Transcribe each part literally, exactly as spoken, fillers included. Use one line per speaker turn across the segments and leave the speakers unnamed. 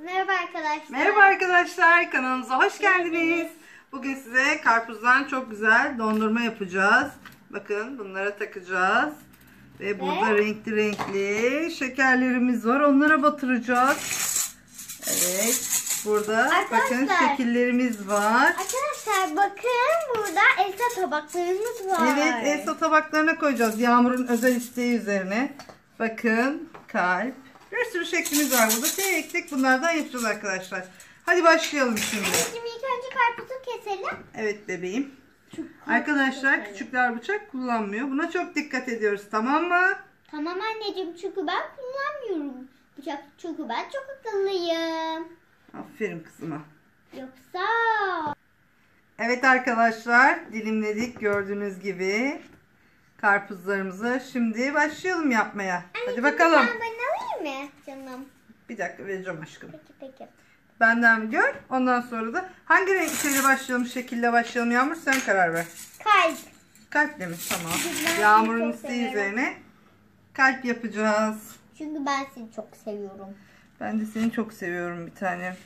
Merhaba arkadaşlar.
Merhaba arkadaşlar, kanalımıza hoş geldiniz. Bugün size karpuzdan çok güzel dondurma yapacağız. Bakın bunlara takacağız. Ve burada
Ve?
renkli renkli şekerlerimiz var. Onlara batıracağız. Evet. Burada
Arkadaşlar,
bakın şekillerimiz var.
Arkadaşlar bakın burada Elsa tabaklarımız var.
Evet, Elsa tabaklarına koyacağız. Yağmur'un özel isteği üzerine. Bakın kalp. Bir sürü şeklimiz var burada. Tek tek bunlardan yapacağız arkadaşlar. Hadi başlayalım şimdi.
Anneciğim ilk önce karpuzu keselim.
Evet bebeğim. Arkadaşlar küçükler bıçak kullanmıyor. Buna çok dikkat ediyoruz, tamam mı?
Tamam anneciğim, çünkü ben kullanmıyorum bıçak, çünkü ben çok akıllıyım.
Aferin kızıma.
Yoksa...
Evet arkadaşlar, dilimledik gördüğünüz gibi karpuzlarımızı. Şimdi başlayalım yapmaya.
Anneciğim,
Hadi bakalım.
Ben, ben alayım mı canım?
Bir dakika vereceğim aşkım.
Peki peki.
Benden gör. Ondan sonra da hangi renk şeyle başlayalım, şekille başlayalım Yağmur, sen karar ver.
Kalp.
Kalple mi? Tamam.
Ben
Yağmur'un
seni çok
isteği
severim.
üzerine kalp yapacağız.
Çünkü ben seni çok seviyorum.
Ben de seni çok seviyorum bir tanem.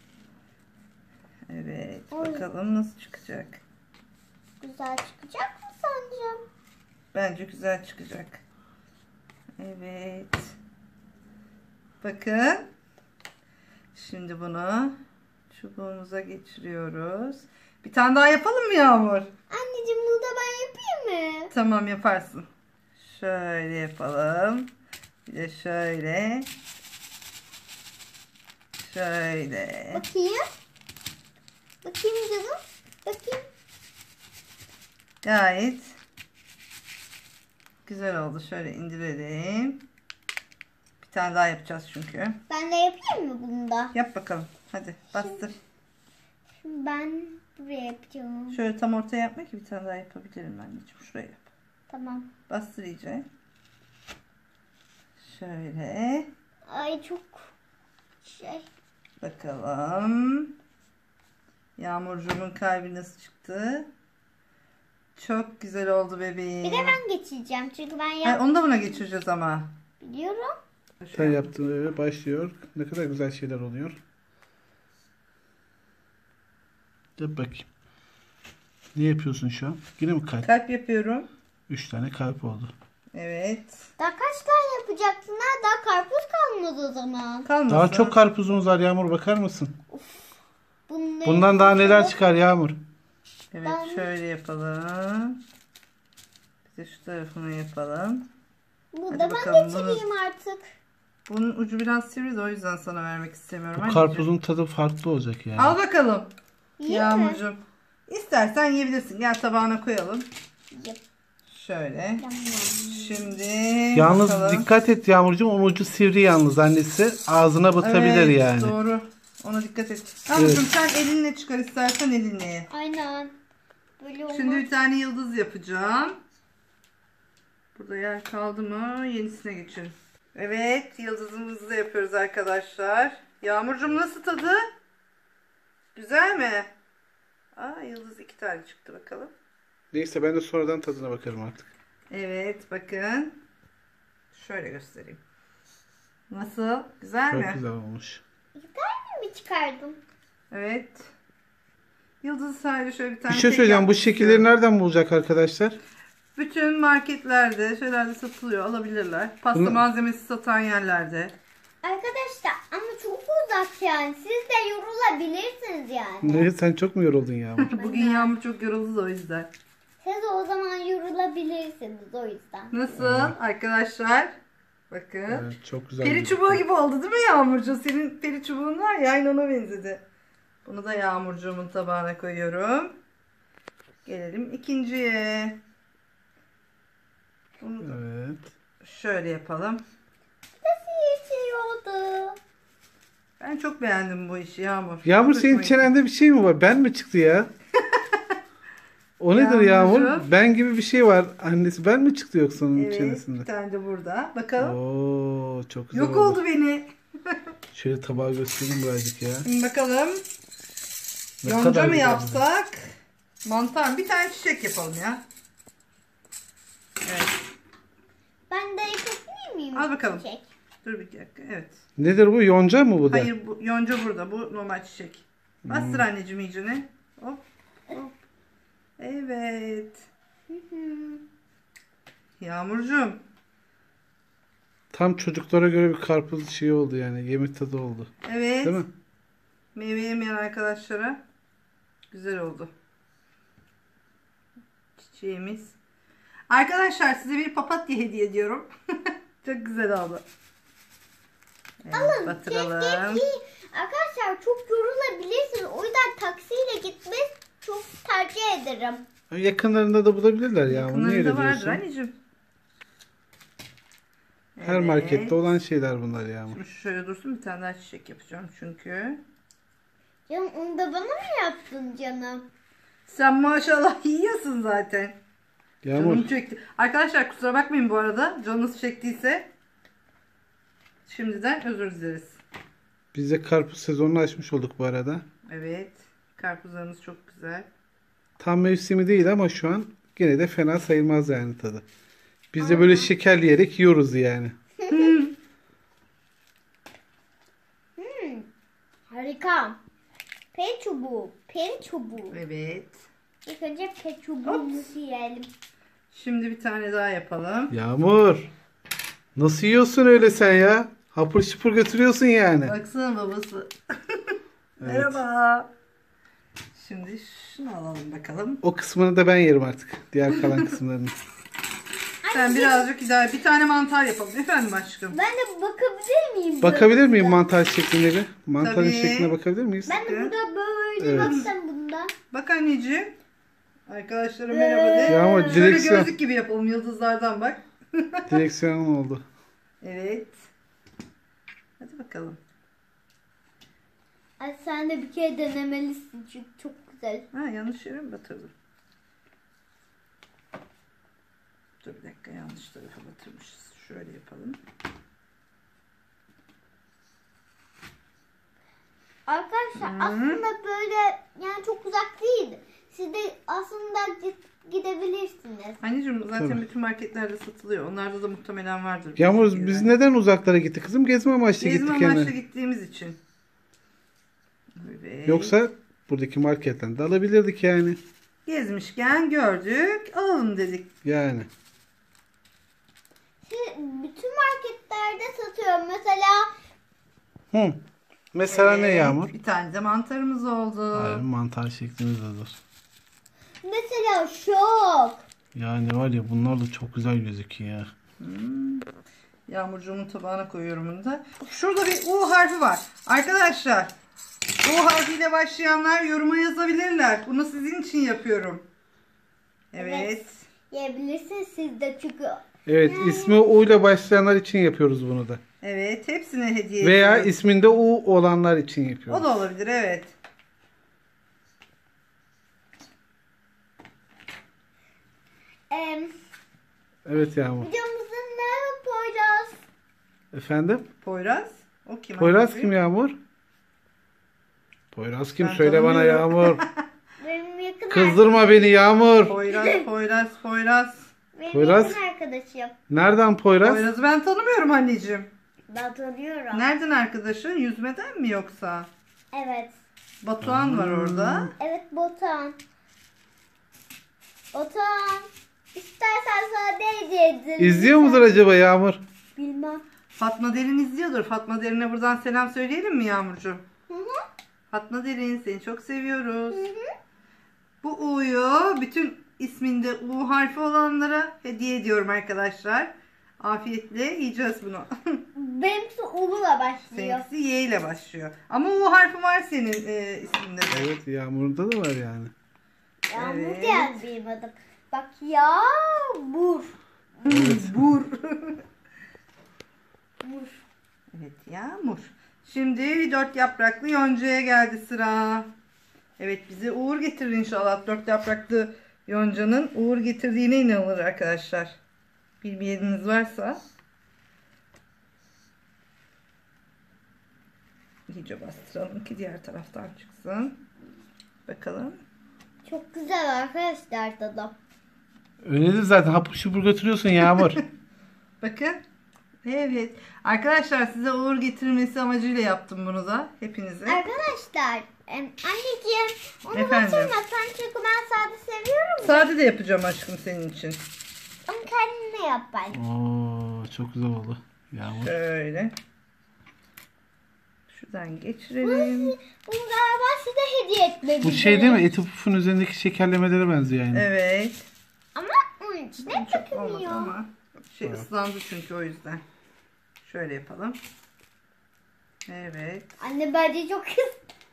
Evet,
Oy.
bakalım nasıl çıkacak.
Güzel çıkacak mı sence?
Bence güzel çıkacak. Evet. Bakın. Şimdi bunu çubuğumuza geçiriyoruz. Bir tane daha yapalım mı Yağmur?
Anneciğim, bunu da ben yapayım mı?
Tamam, yaparsın. Şöyle yapalım. Bir de şöyle. Şöyle.
Bakayım. Bakayım canım. Bakayım.
Gayet güzel oldu. Şöyle indirelim. Bir tane daha yapacağız çünkü.
Ben de yapayım mı bunu da?
Yap bakalım. Hadi bastır.
Şimdi ben buraya yapacağım.
Şöyle tam ortaya yapma ki bir tane daha yapabilirim anneciğim. Şuraya yap.
Tamam.
Bastır iyice. Şöyle.
Ay çok şey.
Bakalım. Yağmurcuğumun kalbi nasıl çıktı? Çok güzel oldu bebeğim.
Bir de ben geçeceğim çünkü ben
Hayır,
yap
onu da buna geçireceğiz ama.
biliyorum.
Sen yaptığın eve başlıyor. Ne kadar güzel şeyler oluyor. Yap bakayım. Ne yapıyorsun şu an? Yine mi kalp?
Kalp yapıyorum.
Üç tane kalp oldu.
Evet.
Daha kaç tane yapacaksın ha? Daha karpuz kalmadı o zaman.
Kalmasın.
Daha çok karpuzumuz var Yağmur, bakar mısın?
Bunları
Bundan daha neler
yapalım.
çıkar Yağmur?
Evet,
Ben-
şöyle yapalım. Bir de şu tarafını yapalım.
Bu
Hadi
da ben
bakalım,
geçireyim artık.
Bunun ucu biraz sivri de o yüzden sana vermek istemiyorum.
Bu
anneciğim.
karpuzun tadı farklı olacak yani.
Al bakalım.
Yiyeyim mi?
Yağmurcuğum. İstersen yiyebilirsin. Gel tabağına koyalım.
Yap.
Şöyle.
Tamam.
Şimdi
Yalnız
bakalım.
dikkat et Yağmurcuğum, onun ucu sivri yalnız, annesi. Ağzına batabilir
Evet,
yani.
doğru. Ona dikkat et. Yağmurcuğum sen elinle çıkar, istersen elinle ye.
Aynen. Böyle olmaz.
Şimdi bir tane yıldız yapacağım. Burada yer kaldı mı? Yenisine geçelim. Evet, yıldızımızı da yapıyoruz arkadaşlar. Yağmurcuğum nasıl tadı? Güzel mi? Aa, yıldız iki tane çıktı bakalım.
Neyse, ben de sonradan tadına bakarım artık.
Evet, bakın. Şöyle göstereyim. Nasıl? Güzel
Çok
mi?
güzel olmuş.
mi çıkardım?
Evet. Yıldız sadece şöyle bir tane
Bir şey
tek
söyleyeceğim. Bu
yapmak
şekilleri
istiyorum.
nereden bulacak arkadaşlar?
Bütün marketlerde, şeylerde satılıyor, alabilirler. Pasta
Bunu-
malzemesi satan yerlerde.
Arkadaşlar ama çok uzak yani. Siz de yorulabilirsiniz yani.
Ne, sen çok mu yoruldun Yağmur?
Bugün Yağmur çok yoruldu da o yüzden.
Siz de o zaman yorulabilirsiniz o yüzden.
Nasıl arkadaşlar? Bakın.
Evet, çok güzel.
Peri
gözüküyor.
çubuğu gibi oldu değil mi Yağmurcuğum? Senin peri çubuğun var ya, aynı ona benzedi. Bunu da Yağmurcuğumun tabağına koyuyorum. Gelelim ikinciye. Bunu
Evet.
şöyle yapalım.
Nasıl yaşıyordu?
Ben çok beğendim bu işi Yağmur.
Yağmur,
Çok
senin
hoşuma gitti.
çenende bir şey mi var? Ben mi çıktı ya? O nedir Yağmur?
Yağmurcuğum.
Ben gibi bir şey var. Annesi ben mi çıktı yoksa onun
Evet,
çenesinde?
bir tane de burada. Bakalım.
Oo, çok güzel
Yok
oldu.
oldu beni.
Şöyle tabağı göstereyim birazcık ya.
Şimdi bakalım.
Ne
Yonca
kadar
mı
güzel.
yapsak? Mantar mı? Bir tane çiçek yapalım ya. Evet.
Ben de yapabilir miyim?
Al bakalım.
Çiçek.
Dur bir dakika. Evet.
Nedir bu? Yonca mı bu da?
Hayır bu yonca burada. Bu normal çiçek. Bastır anneciğim iyicene. Hop. Hop. Evet. Yağmurcuğum.
Tam çocuklara göre bir karpuz şey oldu yani. Yemek tadı oldu.
Evet.
Değil mi?
Meyve yemeyen arkadaşlara güzel oldu. Çiçeğimiz. Arkadaşlar size bir papatya hediye ediyorum. Çok güzel oldu. Evet,
Alın.
batıralım.
Keşke ki arkadaşlar çok yorulabilirsiniz. O yüzden taksiyle gitmeyi çok tercih ederim.
Yakınlarında da bulabilirler ya. Bunu niye öyle
Yakınlarında vardır
diyorsun?
anneciğim.
Her
Evet.
markette olan şeyler bunlar ya.
Şimdi şöyle dursun bir tane daha çiçek yapacağım çünkü.
Canım onu da bana mı yaptın canım?
Sen maşallah yiyorsun zaten.
Yağmur.
Canım çekti. Arkadaşlar kusura bakmayın bu arada. Canınız çektiyse şimdiden özür dileriz.
Biz de karpuz sezonunu açmış olduk bu arada.
Evet. Karpuzlarımız çok güzel.
Tam mevsimi değil ama şu an gene de fena sayılmaz yani tadı. Biz de böyle şekerleyerek yiyoruz yani.
Harika. Peri çubuğu. Peri çubuğu.
Evet.
İlk önce peri çubuğumuzu yiyelim.
Şimdi bir tane daha yapalım.
Yağmur. Nasıl yiyorsun öyle sen ya? Hapur şıpur götürüyorsun yani.
Baksana babası. Merhaba. Şimdi şunu alalım bakalım.
O kısmını da ben yerim artık. Diğer kalan kısımlarını.
Sen birazcık idare. Bir tane mantar yapalım. Efendim aşkım.
Ben de bakabilir miyim?
Bakabilir miyim mantar şekline bir? Mantarın
Tabii.
şekline bakabilir miyiz?
Ben de burada böyle
Evet.
baksam bunda.
Bak anneciğim. Arkadaşlara merhaba de.
Yağmur
Şöyle
direksiyon.
gözlük gibi yapalım yıldızlardan bak.
Direksiyon oldu.
Evet. Hadi bakalım.
Ay sen de bir kere denemelisin çünkü çok güzel.
Ha yanlış yere mi batırdım? Dur bir dakika yanlış tarafa batırmışız. Şöyle yapalım.
Arkadaşlar
Hı.
aslında böyle yani çok uzak değil. Siz de aslında git- gidebilirsiniz.
Anneciğim zaten
Tabii.
bütün marketlerde satılıyor. Onlarda da muhtemelen vardır. bu
Yağmur
şekilde.
biz neden uzaklara gittik kızım? Gezme amaçlı
Gezme
gittik
amaçlı
yani.
gittiğimiz için. Evet.
Yoksa buradaki marketten de alabilirdik yani.
Gezmişken gördük, alalım dedik.
Yani.
Siz bütün marketlerde satıyor. Mesela
Hı. Mesela ne
Evet,
Yağmur?
Bir tane de mantarımız oldu.
Hayır, mantar şeklimizdedir.
mesela şok.
Yani var ya bunlar da çok güzel gözüküyor ya.
Yağmurcuğumun tabağına koyuyorum bunu da. Şurada bir U harfi var. Arkadaşlar U harfiyle başlayanlar yoruma yazabilirler. Bunu sizin için yapıyorum. Evet.
Evet. Yiyebilirsiniz siz de çünkü.
Evet, ismi U ile başlayanlar için yapıyoruz bunu da.
Evet. Hepsine hediye
Veya
ediyorum.
isminde U olanlar için
O
yapıyoruz.
da olabilir evet.
Em,
Evet Yağmur.
videomuzun ne Poyraz?
Efendim?
Poyraz. O kim?
Poyraz
Anneciğim?
kim Yağmur? Poyraz kim?
Ben
Söyle bana
tanımıyorum.
Yağmur.
Benim yakın
Kızdırma beni Yağmur.
Poyraz, Poyraz, Poyraz.
Benim
Poyraz.
yakın arkadaşım.
Nereden Poyraz?
Poyraz'ı ben tanımıyorum anneciğim.
Ben tanıyorum.
Nereden arkadaşın? Yüzmeden mi yoksa?
Evet.
Batuhan var orada.
Evet Botan. Botan. İstersen sana ne hediye ederim?
İzliyor mudur acaba Yağmur?
Bilmem.
Fatma Derin izliyordur. Fatma Derin'e buradan selam söyleyelim mi Yağmurcuğum?
Hı hı.
Fatma Derin seni çok seviyoruz. Bu U'yu bütün isminde U harfi olanlara hediye ediyorum arkadaşlar. Afiyetle yiyeceğiz bunu.
Benimkisi Ulu'la başlıyor.
Seninkisi Y ile başlıyor. Ama U harfi var senin e, isminde de.
Evet Yağmur'da da var yani.
Yağmur
Evet.
geldi benim adım. Bak Yağmur.
Bur.
Mur.
Evet Yağmur. Şimdi dört yapraklı yoncaya geldi sıra. Evet bize uğur getirir inşallah. Dört yapraklı yoncanın uğur getirdiğine inanılır arkadaşlar. Bilmeyeniniz varsa. İyice bastıralım ki diğer taraftan çıksın. Bakalım.
Çok güzel arkadaşlar tadı.
Öyledir zaten hapur şupur götürüyorsun Yağmur.
Bakın. Evet. Arkadaşlar size uğur getirmesi amacıyla yaptım bunu da. Hepinize.
Arkadaşlar em, anneciğim onu
Efendim?
batırmasan çünkü ben sade seviyorum.
Sade de yapacağım aşkım senin için.
Ama kendine yap bence.
Oo, çok güzel oldu. Yağmur.
Şöyle. Şuradan geçirelim.
Bunu galiba size hediye etmek
Bu şey değil mi? Eti pufun üzerindeki şekerlemelere benziyor yani.
Evet.
Ama onun içine
Çok olmadı
takılmıyor.
ama. Şey ıslandı çünkü o yüzden. Şöyle yapalım. Evet.
Anne bence çok kız.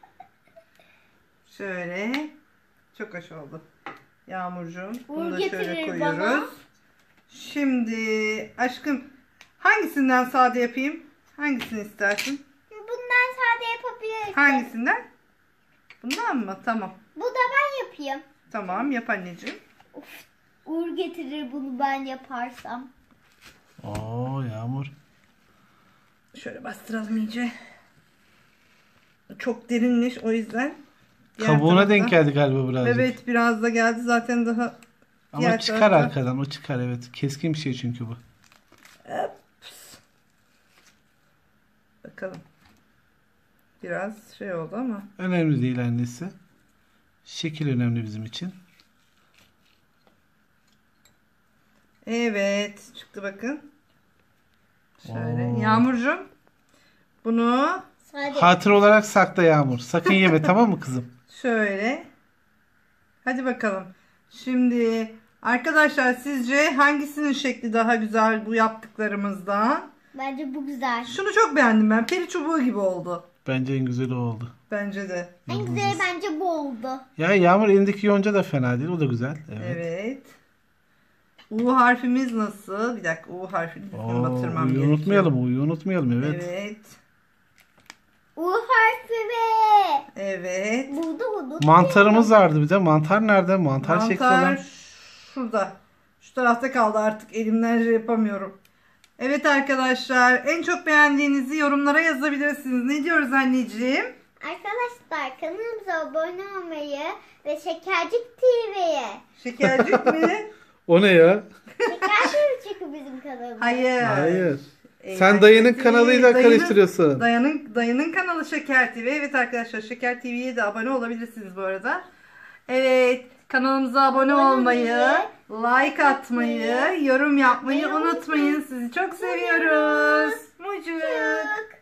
Şöyle. Çok hoş oldu. Yağmurcuğum.
Uğur
Bunu da şöyle
getirir
koyuyoruz.
bana.
Şimdi aşkım hangisinden sade yapayım? Hangisini istersin?
Bundan sade yapabilirsin.
Hangisinden? Bundan mı? Tamam.
Bu da ben yapayım.
Tamam yap anneciğim.
Uğur getirir bunu ben yaparsam.
Oo Yağmur.
Şöyle bastıralım iyice. Çok derinmiş o yüzden. Diğer
Kabuğuna
taraftan-
denk geldi galiba birazcık.
Evet biraz da geldi zaten daha.
Ama
diğer
çıkar
taraftan-
arkadan, o çıkar evet. Keskin bir şey çünkü bu.
Bakalım. Biraz şey oldu ama.
Önemli değil annesi. Şekil önemli bizim için.
Evet çıktı bakın. Şöyle.
Oo.
Yağmurcuğum. Bunu
Sade.
Hatır olarak sakla Yağmur. Sakın yeme tamam mı kızım?
şöyle. Hadi bakalım. Şimdi arkadaşlar sizce hangisinin şekli daha güzel bu yaptıklarımızdan?
Bence bu güzel.
Şunu çok beğendim ben. Peri çubuğu gibi oldu.
Bence en güzeli o oldu.
Bence de.
En güzeli bence bu oldu.
Ya Yağmur elindeki yonca da fena değil. O da güzel. Evet.
Evet. U harfimiz nasıl? Bir dakika U harfini
Oo,
batırmam
U'yu
gerekiyor.
unutmayalım. U'yu unutmayalım. Evet.
Evet.
U harfi ve
Evet.
burada bunu.
Mantarımız vardı bir de. Mantar nerede? Mantar, şekli olan.
Mantar şurada. Şu tarafta kaldı artık. Elimden şey yapamıyorum. Evet arkadaşlar. En çok beğendiğinizi yorumlara yazabilirsiniz. Ne diyoruz anneciğim?
Arkadaşlar kanalımıza abone olmayı ve Şekercik T V'ye.
Şekercik mi?
O ne ya?
Şekercik çünkü bizim kanalımız.
Hayır.
Hayır.
Ee,
Sen dayının
Şeker T V,
kanalıyla
dayının-
karıştırıyorsun.
Dayının, dayının kanalı Şeker T V. Evet arkadaşlar Şeker T V'ye de abone olabilirsiniz bu arada. Evet kanalımıza abone
Abone
olmayı,
olmayı,
like atmayı, yorum yapmayı
yapmayı
unutmayın. Sizi çok seviyoruz. Mucuk.
Mucuk.